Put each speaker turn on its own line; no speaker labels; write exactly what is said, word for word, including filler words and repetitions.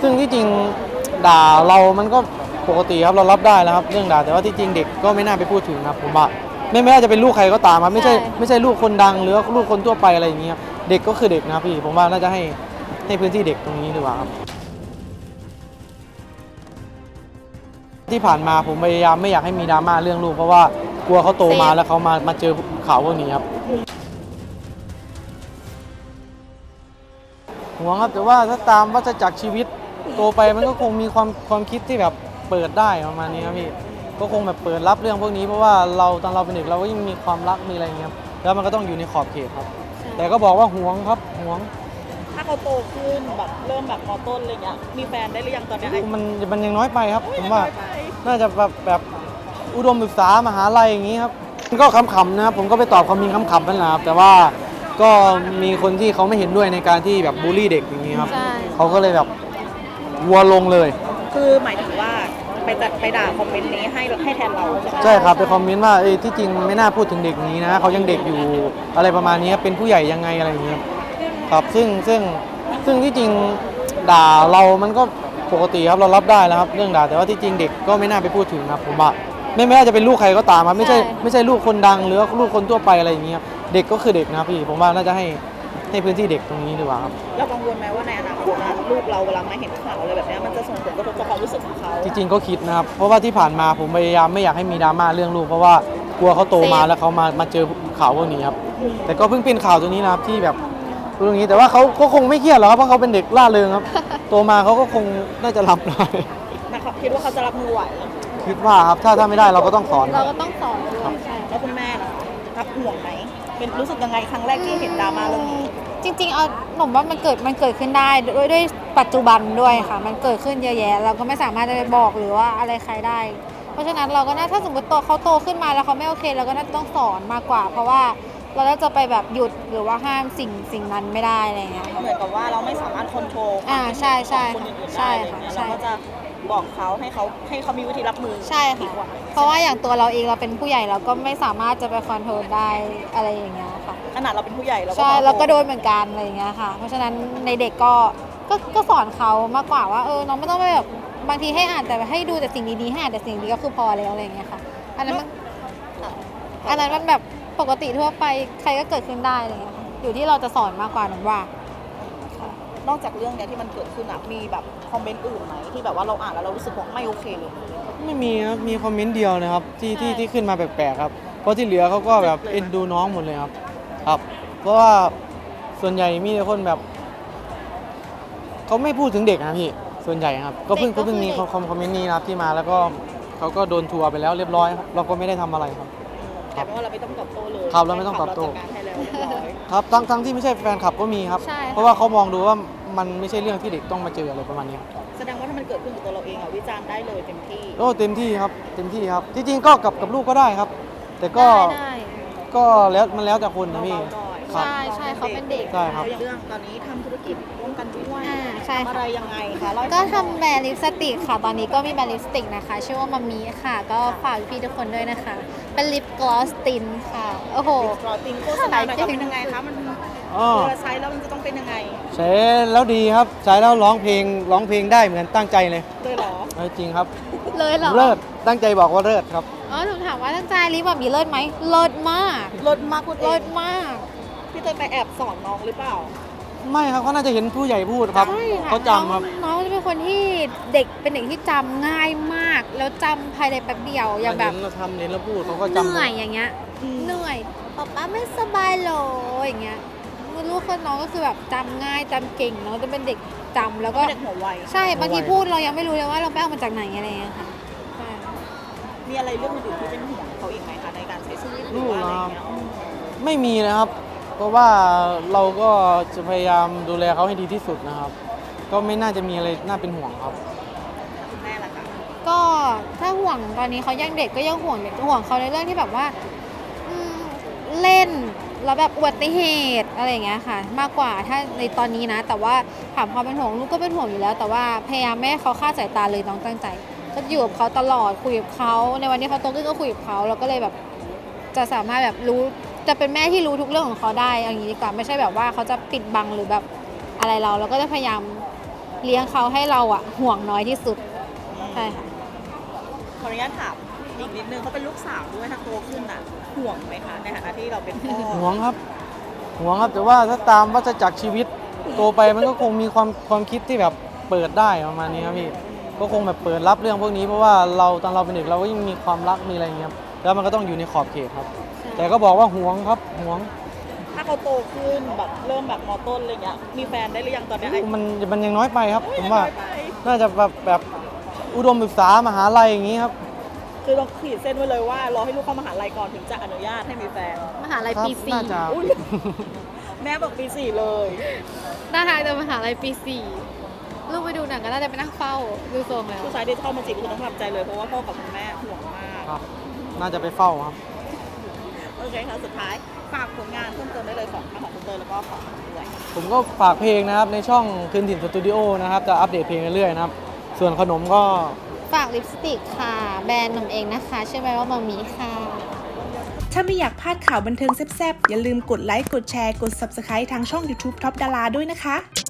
ซึ่งที่จริงด่าเรามันก็ปกติครับเรารับได้แล้วครับเรื่องด่าแต่ว่าที่จริงเด็กก็ไม่น่าไปพูดถึงครับผมว่าไม่ไม่ว่าจะเป็นลูกใครก็ตามครับไม่ใช่ไม่ใช่ลูกคนดังหรือลูกคนทั่วไปอะไรอย่างเงี้ยเด็กก็คือเด็กนะพี่ผมว่าน่าจะให้ให้พื้นที่เด็กตรงนี้ดีกว่าครับที่ผ่านมาผมพยายามไม่อยากให้มีดราม่าเรื่องลูกเพราะว่ากลัวเขาโตมาแล้วเขามามาเจอข่าวพวกนี้ครับห่วงครับแต่ว่าถ้าตามวัฏจักรชีวิตโตไปมันก็คงมีความความคิดที่แบบเปิดได้ประมาณนี้ครับพี่ก็คงแบบเปิดรับเรื่องพวกนี้เพราะว่าเราตอนเราเป็นเด็กเราก็ยังมีความรักมีอะไรอย่างเงี้ยครับแล้วมันก็ต้องอยู่ในขอบเขตครับแต่ก็บอกว่าห่วงครับห่วง
ถ้าเขาโตขึ้นแบบเริ่มแบบมอต้นอะไรเงี้ยมีแฟนได้หรือยังตอนนี้
มันมันยังน้อยไปครับผมว่าน่าจะแบบแบบอุดมศึกษามหาลัยอย่างนี้ครับก็ขำๆนะครับผมก็ไปตอบคอมเมนต์ขำๆนั่นแหละครับแต่ว่าก็มีคนที่เขาไม่เห็นด้วยในการที่แบบบูลลี่เด็กอย่างนี้ครับเขาก็เลยแบบวัวลงเลย
คือหมายถึงว่าไปจัดไปด่าคอมเมนต์นี้ให้ให้แทนเราใช่ไหม
ใช่ครับไปคอมเมนต์ว่าเอ้ยที่จริงไม่น่าพูดถึงเด็กนี้นะเขายังเด็กอยู่อะไรประมาณนี้เป็นผู้ใหญ่ยังไงอะไรอย่างเงี้ยครับซึ่งซึ่งซึ่งที่จริงด่าเรามันก็ปกติครับเรารับได้แล้วครับเรื่องด่าแต่ว่าที่จริงเด็กก็ไม่น่าไปพูดถึงครับผมว่าไม่ไม่ว่าจะเป็นลูกใครก็ตามครับไม่ใช่ไม่ใช่ลูกคนดังหรือลูกคนทั่วไปอะไรอย่างเงี้ยเด็กก็คือเด็กนะพี่ผมว่าน่าจะให้ให้พื้นที่เด็กตรงนี้ดีกว่าครับ
เรากังวลไหมว่าในอนาคตลูกเราเวลามาเห็นข่าวอะไรแบบนี้มันจะส่งผลกระทบต่อความรู้สึกของเขา
จริงๆก็คิดนะครับเพราะว่าที่ผ่านมาผมพยายามไม่อยากให้มีดราม่าเรื่องลูกเพราะว่ากลัวเขาโตมาแล้วเขามามาเจอข่าวพวกนี้ครับแต่ก็เพิ่งเป็นข่าวตัวนี้นะครับที่แบบเรื่องนี้แต่ว่าเขาก็คงไม่เครียดหรอกครับเพราะเขาเป็นเด็กล่าเริงครับโตมาเขาก็คงน่าจะรับได้
นะครับคิดว่าเขาจะรับมือไหว
คิดว่าครับถ้าถ้าไม่ได้เราก็ต้องสอน
เราก็ต้องสอนด้วยใช่
แล้วคุณแม่ล่ะรับห่วงไหมเป็นรู้สึกยังไงครั้งแรกที่เห็นดราม่าเรื่องนี้
จริงๆเอาหนุ่มว่ามันเกิดมันเกิดขึ้นได้ด้วยด้วยปัจจุบันด้วยค่ะมันเกิดขึ้นเยอะแยะเราก็ไม่สามารถจะไปบอกหรือว่าอะไรใครได้เพราะฉะนั้นเราก็น่าถ้าสมมติโตเขาโตขึ้นมาแล้วเขาไม่โอเคเราก็น่าจะต้องสอนมากกว่าเพราะว่าเราจะไปแบบหยุดหรือว่าห้ามสิ่งสิ่งนั้นไม่ได้อะไรเงี้ย
เหมือนกับว่าเราไม่สามารถควบคุม
อ่าใช่ใช่
คนอื่น
ใช่
ค่ะ
เรา
ก็จะบอกเขาให้เขาให้เขามีวิธีรับมือ
ใช่ค่ะเพราะว่าอย่างตัวเราเองเราเป็นผู้ใหญ่เราก็ไม่สามารถจะไปคอนโทรลได้อะไรอย่างเงี้ยค่ะ
ขนาดเราเป็นผู้ใหญ่เราก็
ใช่เราก็โดนเหมือนกันอะไรอย่างเงี้ยค่ะเพราะฉะนั้นในเด็กก็ก็ก็สอนเขามากกว่าว่าเออน้องไม่ต้องไปแบบบางทีให้อ่านแต่ให้ดูแต่สิ่งดีๆให้อ่านแต่สิ่งดีก็คือพอแล้วอะไรอย่างเงี้ยค่ะอันนั้นมันอันนั้นมันแบบปกติทั่วไปใครก็เกิดขึ้นได้อะไรเงี้ยอยู่ที่เราจะสอนมากกว่าหนูว่าน
อกจากเรื่องเนี้ยที่มันเกิดขึ้นอ่ะมีแบบคอมเมนต์อื่นไหมที่แบบว่าเราอ่านแล้วเรารู้สึกว่าไม่โอเคเลย
ไม่มีครับมีคอมเมนต์เดียวนะครับที่ที่ที่ขึ้นมาแปลกๆครับเพราะที่เหลือเขาก็แบบเอ็นดูน้องหมดเลยครับครับเพราะว่าส่วนใหญ่มีแต่คนแบบเขาไม่พูดถึงเด็กนะพี่ส่วนใหญ่ครับก็เพิ่งก็เพิ่งมีคอมคอมเมนต์นี้นะครับที่มาแล้วก็เขาก็โดนทัวร์ไปแล้วเรียบร้อยครับเราก็ไม่ได้ทำอะไรครับ
แต่ว่าเราไม่ต้องตอบโต้เลย
ครับเราไม่ต้องตอบโต้ครับทั้งทั้งที่ไม่ใช่แฟนคลับก็มีครับเพราะว่าเขามองดูว่ามันไม่ใช่เรื่องที่เด็กต้องมาเจออะไรประมาณนี้
แสดงว่าถ้ามันเกิดขึ้นกับตัวเราเองอ่ะวิจารณ์ได้เลยเต็มที่
โอ้เต็มที่ครับเต็มที่ครับที่จริงก็กับกับลูกก็ได้ครับแต่ก็ก็แล้วมันแล้วแต่คนนะพี่
ใช่ใช่เขาเป็นเด็ก
ใช่ครับ
เรื่องตอนนี้ทำธุรกิจร่วมกันด้วย
ใช่
อะไรยังไงคะ
ก็ทำแบรนด์ลิปสติกค่ะตอนนี้ก็มีแบรนด์ลิปสติกนะคะชื่อว่ามัมมี่ค่ะก็ฝากพี่ทุกคนด้วยนะคะเป็นลิปกลอสตินค่ะโอ้โห
กลอสตินโฆษณาหน่อยเป็นยังไงคะมันเวลาใช้แล้วมันจะต้องเป็นยังไง
ใช้แล้วดีครับใช้แล้วร้องเพลงร้องเพลงได้เหมือนตั้งใจเลย
เลยเหรอ
จริงครับ
เลยเหรอ
เลิศตั้งใจบอกว่าเลิศครับ
อ๋อหนูถามว่าตั้งใจลิปแบบมีเลิศไหมเลิศมาก
เลิศมาก
เลิศมาก
พี่เตยไปแอบสอนน้องหรือเปล่า
ไม่ครับเขาน่าจะเห็นผู้ใหญ่พูดครับเขาจำครับ
น้องจะเป็นคนที่เด็กเป็นเด็กที่จำง่ายมากแล้วจำภายในแป๊บเดียวอย่างแบบ
เราทำเน้นแล้วพูดเขาก็จำ
เหนื่อยอย่างเงี้ยเหนื่อยป๊าป๊าไม่สบายหรออย่างเงี้ยลูกคนน้องก็คือแบบจำง่ายจำเก่งน้องจะเป็นเด็กจำแล้วก็
เด็กหัวไว
ใช่บางทีพูดเรายังไม่รู้เลยว่าเราไปเอามาจากไหนอะไรเงี้ยค่ะ
มีอะไรเรื่องอื่นที่เป็นห่วงเขาอีกไหมคะในการใช้ชีวิตหรือว่าอะไรเงี้ย
ไม่มีนะครับเพราะว่าเราก็จะพยายามดูแลเขาให้ดีที่สุดนะครับก็ไม่น่าจะมีอะไรน่าเป็นห่วงครับ
คุณแม่ล่ะคะ
ก็ถ้าห่วงตอนนี้เขายังเด็กก็ยังห่วงเด็กห่วงเขาในเรื่องที่แบบว่าเล่นแล้วแบบอุบัติเหตุอะไรอย่างเงี้ยค่ะมากกว่าถ้าในตอนนี้นะแต่ว่าถามความเป็นห่วงลูกก็เป็นห่วงอยู่แล้วแต่ว่าพยายามไม่ให้เขาคลาดสายตาเลยน้องตั้งใจก็อยู่กับเขาตลอดคุยกับเขาในวันที่เขาโตขึ้นก็คุยกับเขาเราก็เลยแบบจะสามารถแบบรู้จะเป็นแม่ที่รู้ทุกเรื่องของเขาได้อย่างนี้ดีกว่าไม่ใช่แบบว่าเขาจะปิดบังหรือแบบอะไรเราเราก็จะพยายามเลี้ยงเขาให้เราอะห่วงน้อยที่สุดใช่ค่ะ
ขออนุญาตถามอีกนิดนึงเขาเป็นลูกสาวด้วยถ้าโตขึ้นอ่ะห่วงไหมคะในฐานะที่เราเป็นพ่อ
ห่วงครับห่วงครับแต่ว่าถ้าตามวัฏจักรชีวิตโตไปมันก็คงมีความความคิดที่แบบเปิดได้ประมาณนี้ครับพี่ก็คงแบบเปิดรับเรื่องพวกนี้เพราะว่าเราตอนเราเป็นเด็กเราก็ยังมีความรักมีอะไรอย่างเงี้ยครับแล้วมันก็ต้องอยู่ในขอบเขตครับ แต่ก็บอกว่าห่วงครับห่วง
ถ้าเขาโตขึ้นแบบเริ่มแบบมอต้นอะไรเงี้ยมีแฟนได้หรือยังตอนเนี้ยไอ้
มันมันยังน้อยไปครับ
โอ้ย
ผมว่า
น้อยไป
น่าจะแบบแบบอุดมศึกษามหาลัยอย่างนี้ครับ
คือเราขีดเส้นไว้เลยว่ารอให้ลูกเข้ามหาลัยก่อนถึงจะอนุญาตให้มีแฟน
มหาลัย
ครับ
ปีสี่
น่าจะ
อุ๊ยแม่บอกปีสี่เลย
น่าทางจะมหาลัยปีสี่ลูกไปดูหนังก็น่าจะไปนั่งเฝ้าดูทรงแล้ว
ผู้ชายที่เข้ามาจีบคุณต้องทำใจเลยเพราะว่าพ่อกับคุณแม่ห่วงมาก
ครับ น่าจะไปเฝ้าครับ
โอเคค่ะสุดท้ายฝากผลงานเพิ่มเติมได้เลยของทั้งของคุณเตยแล้วก็ของด้วย
ผมก็ฝากเพลงนะครับในช่องคืนถิ่นสตูดิโอนะครับจะอัปเดตเพลงเรื่อยๆนะครับ ส่วนขนมก็
ฝากลิปสติกค่ะ แบรนด์หนุ่มเองนะคะชื่อแบรนด์ว่ามามีค่ะ
ถ้าไม่อยากพลาดข่าวบันเทิงแซ่บๆ อย่าลืมกดไลค์ กดแชร์ กด Subscribe ทางช่อง YouTube Top Dara ด้วยนะคะ